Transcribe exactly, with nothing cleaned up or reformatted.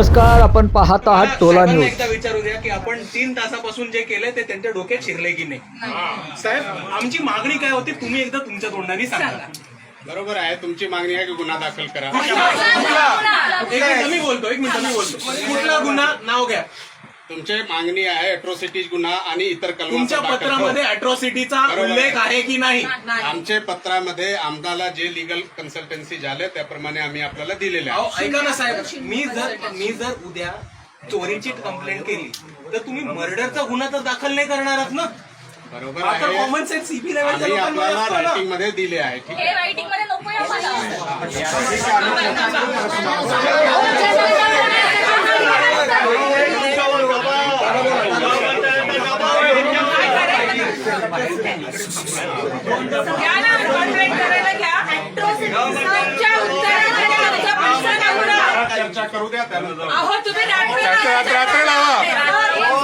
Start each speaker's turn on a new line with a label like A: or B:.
A: नमस्कार, आपण पाहत आहात टोला न्यूज.
B: एकदा विचारू द्या की आपण तीन तासापासून जे केलंय ते त्यांच्या डोक्यात शिरले की नाही. साहेब, आमची मागणी काय होती तुम्ही एकदा तुमच्या तोंडाने सांगा.
C: बरोबर आहे, तुमची मागणी आहे की गुन्हा दाखल करा.
B: एक मिनिट मी बोलतो एक मिनिट मी बोलतो कुठला गुन्हा नाव घ्या.
C: तुमची मागणी आहे अॅट्रॉसिटीज गुन्हा आणि इतर
B: तुमच्या पत्रामध्ये अॅट्रॉसिटीचा उल्लेख आहे की नाही?
C: आमच्या पत्रामध्ये आम्हाला जे लिगल कन्सल्टन्सी झाले त्याप्रमाणे आम्ही आपल्याला दिलेले
B: अहो,
C: आहे.
B: ऐका ना साहेब, मी जर मी जर उद्या चोरीची कंप्लेंट केली तर तुम्ही मर्डरचा गुन्हा तर दाखल नाही करणारच ना.
C: बरोबर आहे,
B: कॉमन सेन्स सीपी लेवलच्या
C: आम्ही
B: लोकांना
C: आपल्याला
B: असतो ना.
C: रायटिंग मध्ये दिले आहे. ठीक आहे.
D: रायटिंग मध्ये नको आम्हाला.
E: घ्या ना, कॉन्ट्रॅक्ट करायला घ्या. आमच्या उत्तरामध्ये आमचा प्रश्न नव्हता.
C: चर्चा करू द्या त्यानंतर.
E: अहो तुम्ही रात्री
C: रात्र- रात्र लावा.